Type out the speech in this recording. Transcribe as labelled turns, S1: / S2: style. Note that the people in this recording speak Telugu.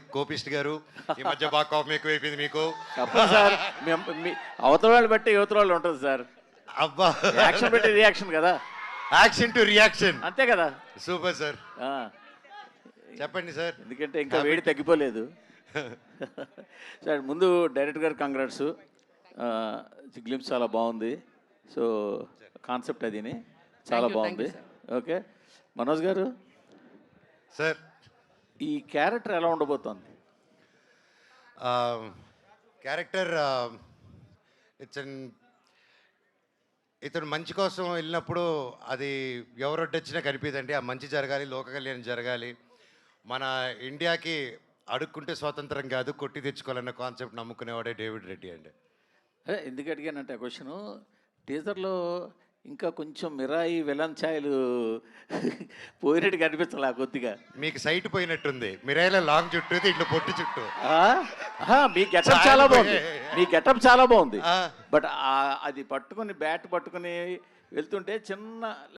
S1: కోపిస్ట్ గారు. ఈ మధ్య బాగా కోపం ఎక్కువైపోయింది మీకు.
S2: చెప్పండి సార్, మీ అవతల వాళ్ళు బట్టి యువతల వాళ్ళు ఉంటుంది సార్.
S1: అబ్బా,
S2: యాక్షన్ పెట్టి రియాక్షన్ కదా,
S1: యాక్షన్ టు రియాక్షన్.
S2: అంతే కదా.
S1: సూపర్ సార్,
S2: ఆ,
S1: చెప్పండి సార్.
S2: ఎందుకంటే ఇంకా వేడి తగ్గిపోలేదు. సార్ ముందు డైరెక్టర్ గారు కంగ్రాట్స్, గ్లిమ్స్ చాలా బాగుంది. సో కాన్సెప్ట్ అదిని చాలా బాగుంది. ఓకే మనోజ్ గారు
S1: సార్,
S2: ఈ క్యారెక్టర్ ఎలా ఉండబోతోంది?
S1: క్యారెక్టర్ ఇతను మంచి కోసం వెళ్ళినప్పుడు అది ఎవరొడ్డొచ్చినా కనిపిదండి. ఆ మంచి జరగాలి, లోక కళ్యాణం జరగాలి. మన ఇండియాకి అడుక్కుంటే స్వాతంత్రం కాదు, కొట్టి తెచ్చుకోవాలన్న కాన్సెప్ట్ నమ్ముకునేవాడే డేవిడ్ రెడ్డి అండి.
S2: ఎందుకు అడిగానంటే ఆ క్వశ్చను, టీజర్లో ఇంకా కొంచెం మిరాయి విలన్ ఛాయలు పోయినట్టు కనిపించాలి కొద్దిగా.
S1: మీకు సైట్ పోయినట్టుంది. మిరాయిలో లాంగ్ చుట్టూ, ఇట్లా పొట్టి చుట్టూ.
S2: మీ గెటప్ చాలా బాగుంది, మీ గెటప్ చాలా బాగుంది. బట్ అది పట్టుకొని బ్యాట్ పట్టుకొని వెళ్తుంటే చిన్న